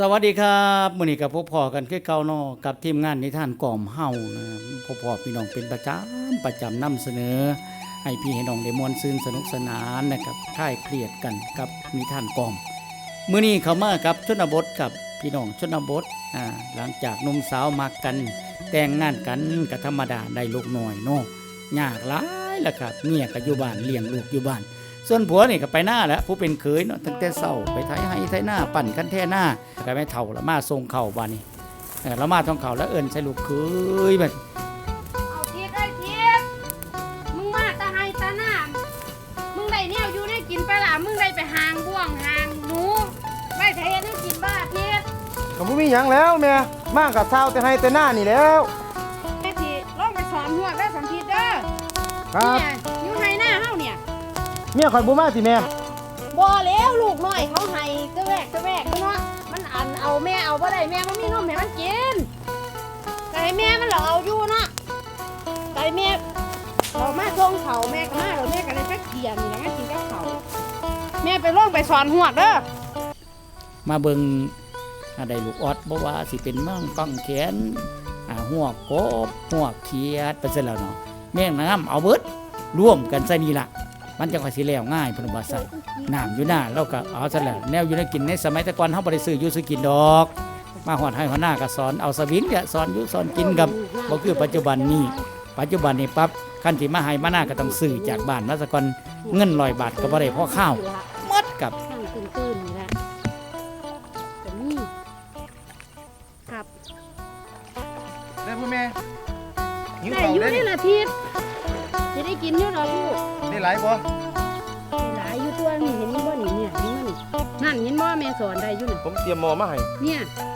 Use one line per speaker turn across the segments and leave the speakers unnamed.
สวัสดีครับมื้อนี้ก็พบพ่อกันคือเก่าเนาะกับทีมงานนิทานกล่อมเฮานะพบพ่อพี่น้องเป็นประจำนำเสนอให้พี่ให้น้องได้ม่วนซื่นสนุกสนานนะครับคลายเครียดกันกับนิทานกล่อมมื้อนี้เข้ามากับชนบทกับพี่น้องชนบทหลังจากหนุ่มสาวมักกันแต่งงานกันก็ธรรมดาได้ลูกน้อยเนาะยากหลายล่ะครับเมียก็อยู่บ้านเลี้ยงลูกอยู่บ้านส่วนผัวนี่ก็ไปหน้าแล้วผู้เป็นเขยเนาะตั้งแต่เช้าไปไถให้ไถหน้าปั่นกันแท่หน้าก็ไม่เท่าละมาส่งเข่าบ้านนี้ละมาต้องเข่าแล้วเอิ้นใส่ลูกเขยบัด
เอาเทียดได้เทียดมึงมาตาไฮตาหน้ามึงได้เนี่ยอยู่ได้กินไปล่ะมึงได้ไปหางบ่วงหางหนูไว้ไทยได้กินบ้าเทียด
ก็บ่มีหยังแล้วแม่มากกับเช้าแต่ให้แต่หน้านี่แล้ว
แม่ทีลองไปสอนหัวได้สัมพีเด้อ
ครับ
เนี่ยอยู่ไฮหน้าเฮาเนี่ย
เมียข่อยบ่มาสิแม่
บ่แล้วลูกน้อยเขาให้กระแวกเนาะมันอันเอาแม่เอาบ่ได้แม่บ่มีนมให้มันกินไก่แม่มันเหรอเอาอยู่เนาะไก่แม่เรามาส่งเขาแม่ก็มาเราแม่ก็เลยไปเขียนนี่นะมากินกับเขาแม่ไปลองไปสอนหัวเด้อ
มาเบิ่งได้ลูกออดบ่ว่าสิเป็นมั่งกังแขนหัวกบหัวเขียดไปซะแล้วเนาะแม่งน้ำเอาเบิดร่วมกันซะนี่ล่ะมันจังว่าสิแล้วง่ายเพิ่นว่าซั่นน้ำอยู่หน้าเราก็เอาซะแล้วแนวอยู่ในกินในสมัยแต่ก่อนเฮาบ่ได้ซื้ออยู่ซื้อกินดอกมาฮอดให้หัวหน้าก็สอนเอาสวิงเนี่ยสอนอยู่สอนกินกับบ่คือปัจจุบันนี้ปั๊บคันที่มาให้มาหน้าก็ต้องซื้อจากบ้านมาซะก่อนเงิน100 บาทก็บ่ได้พอข้าวหมดกับ
ตื่นนี่แหละแต่นี่ครับ
ได้พ่อแม่หิว
แต่
ข้าว
อยู่
ได้
นี่ละทิศจะได้กินอยู่หรอลูก
ได้หลายบ่
หลายอยู่ตัวนี่เห็นบ่นี่เนี่ยนี่นั่นเห็นบ่แม่สอนได้อยู่นี่
ผมเตรียมหม้อมาให้
เนี่ย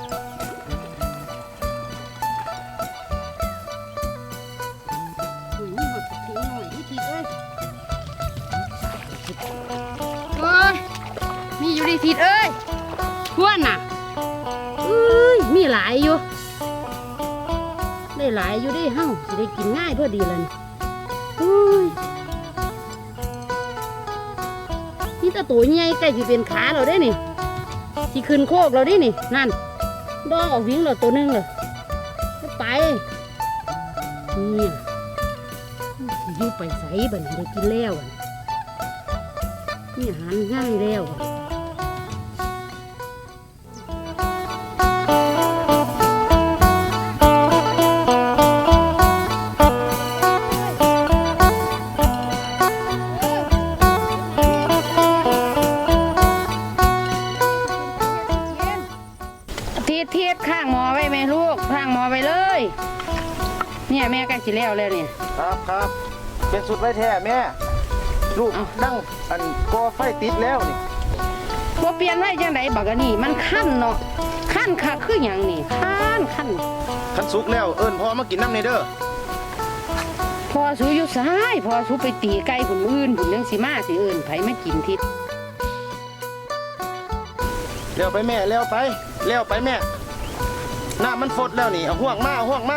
นี่หดทิ้งหน่อยที่ทิศเอ้ยโอ้ยมีอยู่ที่ทิศเอ้ยทวนน่ะมีหลายอยู่ได้หลายอยู่ได้เฮ้าสิได้กินง่ายพอดีเลยนี่ตาตัวใหญ่ใกล้ที่เป็นขาเราได้นี่ที่ขึ้นโคกเราได้นี่นั่นดองออกวิ่งเราตัวนึงเลยไปนี่อยู่ไปใส่บันได้กินแล้วนี่อาหารง่ายแล้วเทียดข้างหมอไว้ไหมลูกข้างหมอไปเลยเนี่ยแม่ใกล้สิแล้วเนี่ย
ครับเป็นสุดไว้แท้แม่ลูกดั้งอันก่อไฟติดแล้วนี่
บ่เปลี่ยนไว้จังไดบักอันนี้มันคั่นเนาะคั่นคักคือหยังนี่คั่น
สุกแล้วเอิ้นพ่อมากินน้ำในเด้อ
พอสูอยู่ซ้ายพอสูไปตีไก่ผุนอื่นผุนยังสิมาสิเอิ้นไผมากินทิศ
เลี้ยวไปแม่เลี้ยวไปแม่น้ำมันฟดแล้วนี่เอาห่วงมา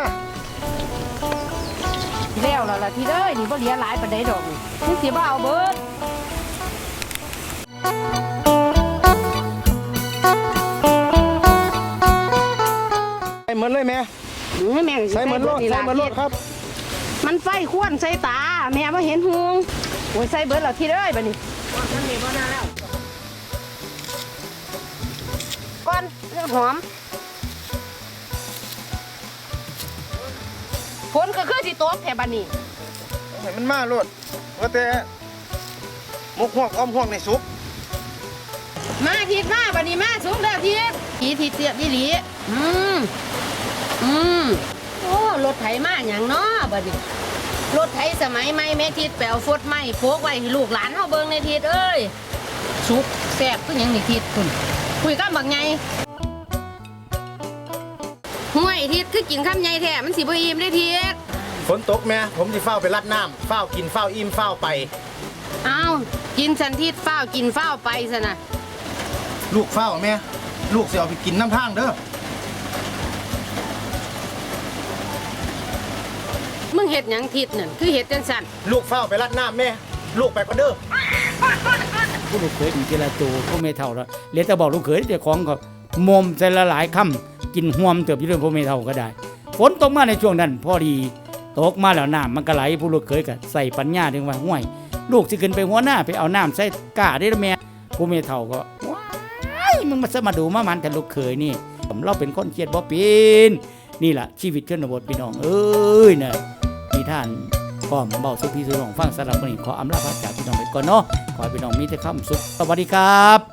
แล้วล่ะที่เด้ยนี่บ่เหลือหลายปานใดดอกนี่สิบ่เอาเบิด
ใส่เหมือนเลยแม่ใส่เหมือนรถครับ
มันไฟควนใส่ตาแม่บ่เห็นหุงโอ้ยใส่เบิดแล้วที่เด้ยบัดนี้ท่านนี่บ่น่าแล้วก่อนเรื่องหอมฝนก็คือสิตกแถวบ้านนี้
ให้มันมาโลดว่าแต่มุกหวกอ้อมหวกในซุป
มาทิศมาบ้านนี้มาสูงเด้อทิศทิศเสียบอีหลีโอ้รถไถมาอย่างเนาะบ้านนี้รถไถสมัยใหม่แม่ทิศแปลวฟดไม้โพกไว้ให้ลูกหลานเฮาเบิ่งในทิศเอ้ยสุกแซ่บคือหยังนี่ทิศคุณคุยกันบักไงห่วยทิศคือกินข้ามใหญ่แท้มันสิบ่อิ่มได้ทิศ
ฝนตกแม่ผมสิเฝ้าไปรัดน้ำเฝ้ากินเฝ้าอิ่มเฝ้าไป
เอากินสันทิศเฝ้ากินเฝ้าไปซะนะ
ลูกเฝ้าแม่ลูกสิเอาไปกินน้ำทางเด้อ
มึงเฮ็ดหยังทิศนั่นคือเฮ็ดจังซั่น
ลูกเฝ้าไปรัดน้ำแม่ลูกไปก่อนเด้อ
ผู้ลูกเขยมีเจรโตผู้ไม่เท่าแล้วเหลือแต่บอกลูกเขยเจ้าของก็มมใส่ละหลายค่ำกินห่วมเติบอยู่เรื่องพ่อแม่เฒ่าก็ได้ฝนตกมาในช่วงนั้นพอดีตกมาแล้วน้ำมันก็ไหลผู้ลูกเขยก็ใส่ปัญญาถึงว่าห่วยลูกสิขึ้นไปหัวหน้าไปเอาน้ำใส่กาได้แม่พ่อแม่เฒ่าก็ว้ายมึงมาดูมามันแต่ลูกเขยนี่เราเป็นคนเครียดบ่เป็นนี่ล่ะชีวิตชนบทพี่น้องเอ้ยน่ะนิทานพร้อมเบาสุพี่สุน้องฟังสำหรับวันนี้ขออำลาพระจากพี่น้องไปก่อนเนาะขอให้พี่น้องมีแต่ความสุขสวัสดีครับ